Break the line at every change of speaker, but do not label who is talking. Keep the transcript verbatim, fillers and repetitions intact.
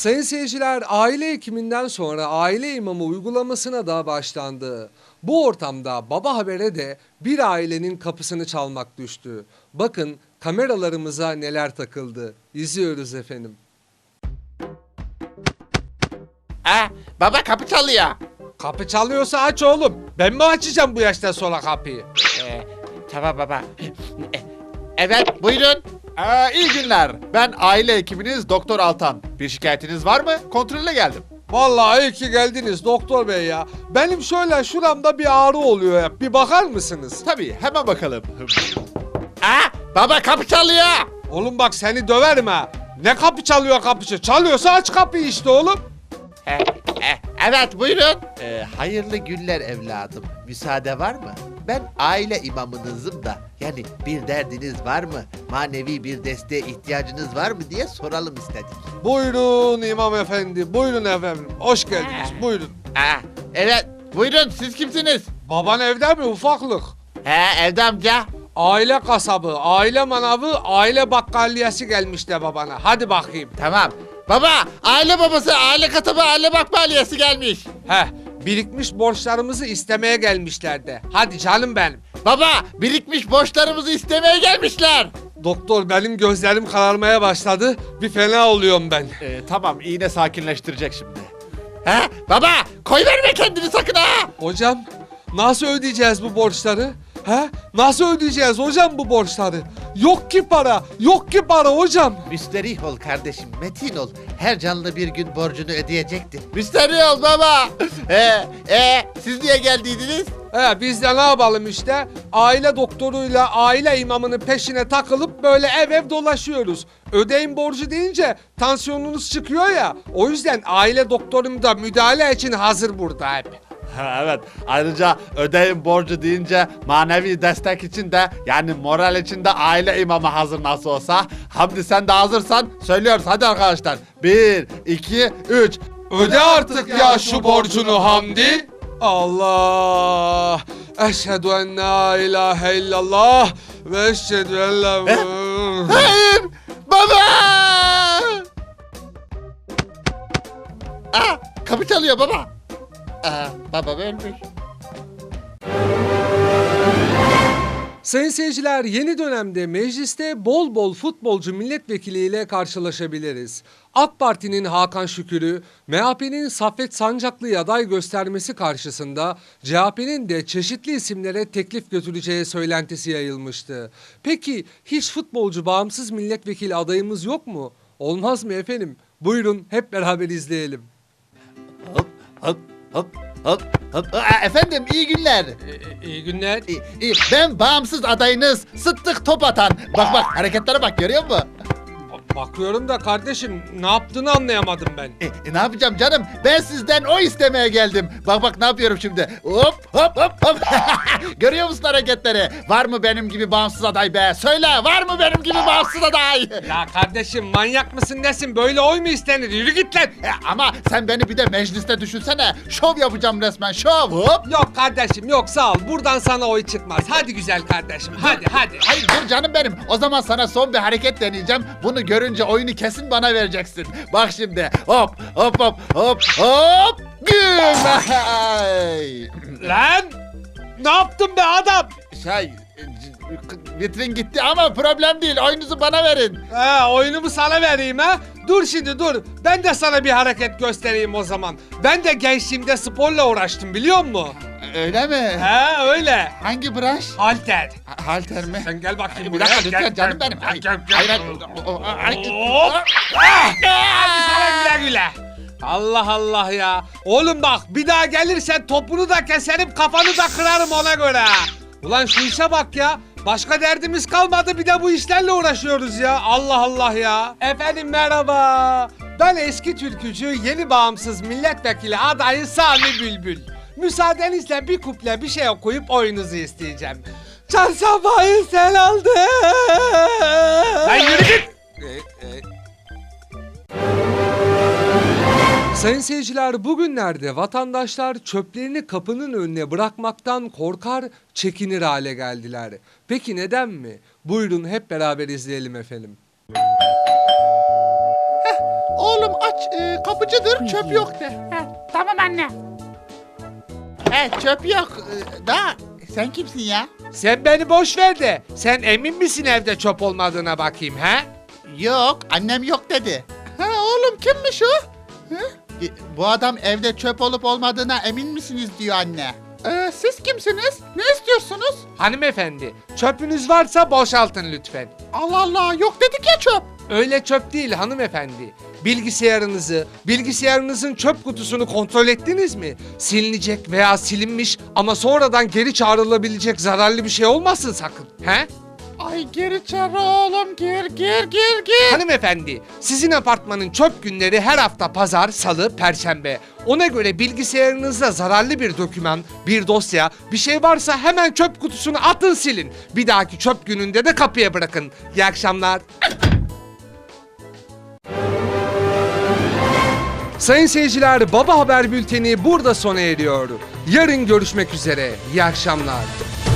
Sayın seyirciler, aile hekiminden sonra aile imamı uygulamasına da başlandı. Bu ortamda Baba Haber'e de bir ailenin kapısını çalmak düştü. Bakın kameralarımıza neler takıldı. İzliyoruz efendim.
Ha, baba kapı çalıyor.
Kapı çalıyorsa aç oğlum. Ben mi açacağım bu yaştan sonra kapıyı?
Ee, tamam baba. E, Evet buyurun.
Ee, iyi günler. Ben aile hekiminiz Doktor Altan. Bir şikayetiniz var mı? Kontrole geldim.
Vallahi iyi ki geldiniz doktor bey ya. Benim şöyle şuramda bir ağrı oluyor ya. Bir bakar mısınız?
Tabii hemen bakalım.
Ha, baba kapı çalıyor.
Oğlum bak seni döverim ha. Ne kapı çalıyor kapıcı? Çalıyorsa aç kapıyı işte oğlum.
E, e, evet buyurun.
Ee, hayırlı günler evladım. Müsaade var mı? Ben aile imamınızım da. Yani bir derdiniz var mı? Manevi bir desteğe ihtiyacınız var mı diye soralım istedik.
Buyurun imam efendi. Buyurun efendim. Hoş geldiniz. Buyurun.
Ha, evet buyurun siz kimsiniz?
Baban evde mi ufaklık?
He evde amca.
Aile kasabı, aile manavı, aile bakkalliyesi gelmiş de babana. Hadi bakayım.
Tamam. Baba aile babası aile katabı aile bakbaliyesi gelmiş.
Heh, birikmiş borçlarımızı istemeye gelmişler de. Hadi canım benim.
Baba birikmiş borçlarımızı istemeye gelmişler.
Doktor benim gözlerim kararmaya başladı. Bir fena oluyorum ben.
Ee, tamam iğne sakinleştirecek şimdi.
He baba koy verme kendini sakın ha.
Hocam nasıl ödeyeceğiz bu borçları? He? Nasıl ödeyeceğiz hocam bu borçları? Yok ki para, yok ki para hocam.
Müsterih ol kardeşim, metin ol. Her canlı bir gün borcunu ödeyecektir.
Müşteri ol baba. Ee, e, siz niye geldiydiniz?
He, biz de ne yapalım işte? Aile doktoruyla aile imamının peşine takılıp böyle ev ev dolaşıyoruz. Ödeyin borcu deyince tansiyonunuz çıkıyor ya. O yüzden aile doktorum da müdahale için hazır burada hep.
Ha, evet. Ayrıca ödeyin borcu deyince manevi destek için de yani moral için de aile imamı hazır nasıl olsa. Hamdi sen de hazırsan söylüyoruz hadi arkadaşlar. Bir, iki, üç.
Öde artık ya şu borcunu Hamdi. Allah. Eşhedü en la ilahe illallah ve eşhedü en la...
Hayır baba. Aa, kapı çalıyor baba. Aa, babam ölmüş.
Sayın seyirciler, yeni dönemde mecliste bol bol futbolcu milletvekiliyle karşılaşabiliriz. AK Parti'nin Hakan Şükür'ü, M H P'nin Saffet Sancaklı'yı aday göstermesi karşısında C H P'nin de çeşitli isimlere teklif götüreceği söylentisi yayılmıştı. Peki hiç futbolcu bağımsız milletvekili adayımız yok mu? Olmaz mı efendim? Buyurun hep beraber izleyelim.
Hop hop hop hop hop. Aa, efendim iyi günler.
iyi günler.
İyi, iyi. Ben bağımsız adayınız Sıddık Topatan. Bak bak hareketlere bak görüyor musun?
Bakıyorum da kardeşim ne yaptığını anlayamadım ben.
E, e, ne yapacağım canım? Ben sizden o istemeye geldim. Bak bak ne yapıyorum şimdi? Hop hop hop hop. Görüyor musun hareketleri? Var mı benim gibi bağımsız aday be? Söyle var mı benim gibi bağımsız aday?
Ya kardeşim manyak mısın nesin? Böyle oy mu istenir? Yürü git lan.
E, ama sen beni bir de mecliste düşünsene. Şov yapacağım resmen şov. Hop.
Yok kardeşim yok sağ ol. Buradan sana oy çıkmaz. Hadi güzel kardeşim hadi hadi.
Hayır dur canım benim. O zaman sana son bir hareket deneyeceğim. Bunu görünce oyunu kesin bana vereceksin. Bak şimdi. Hop hop hop hop hop. Güm.
Lan ne yaptın be adam?
Şey vitrin gitti ama problem değil. Oyunuzu bana verin.
He oyunumu sana vereyim ha. Dur şimdi dur. Ben de sana bir hareket göstereyim o zaman. Ben de gençliğimde sporla uğraştım biliyor musun?
Öyle mi?
He öyle.
Hangi branş?
Halter.
Ha- Halter mi?
Sen gel bakayım
Bir
buraya.
dakika
Gel,
lütfen
gel,
canım benim.
gel,
Ay,
gel, gel.
hayır, hayır. O- o- ay-
Hop. Ah! Hadi sana güle güle. Allah Allah ya. Oğlum bak bir daha gelirsen topunu da keserim kafanı da kırarım ona göre. Ulan şu işe bak ya. Başka derdimiz kalmadı bir de bu işlerle uğraşıyoruz ya. Allah Allah ya. Efendim merhaba. Ben eski türkücü yeni bağımsız milletvekili adayı Sami Bülbül. Müsaadenizle bir kuple bir şey okuyup oyunuzu isteyeceğim. Çarşambayı sen aldın. Lan yürü git. Sayın seyirciler bugünlerde vatandaşlar çöplerini kapının önüne bırakmaktan korkar, çekinir hale geldiler. Peki neden mi? Buyurun hep beraber izleyelim efendim.
Oğlum aç
aç. Ee, kapıcıdır. Çöp yok de.
Ha, tamam anne.
He çöp yok. Ee, da sen kimsin ya?
Sen beni boş ver de sen emin misin evde çöp olmadığına bakayım he?
Yok annem yok dedi. Ha oğlum kimmiş o? Hı? E, Bu adam evde çöp olup olmadığına emin misiniz diyor anne. Ee, siz kimsiniz? Ne istiyorsunuz?
Hanımefendi çöpünüz varsa boşaltın lütfen.
Allah Allah yok dedik ya çöp.
Öyle çöp değil hanımefendi. Bilgisayarınızı, bilgisayarınızın çöp kutusunu kontrol ettiniz mi? Silinecek veya silinmiş ama sonradan geri çağrılabilecek zararlı bir şey olmasın sakın. He?
Ay gir içeri oğlum gir gir gir gir.
Hanımefendi, sizin apartmanın çöp günleri her hafta pazar, salı, perşembe. Ona göre bilgisayarınızda zararlı bir doküman, bir dosya, bir şey varsa hemen çöp kutusunu atın silin. Bir dahaki çöp gününde de kapıya bırakın. İyi akşamlar. Sayın seyirciler, Baba Haber Bülteni burada sona eriyor. Yarın görüşmek üzere. İyi akşamlar.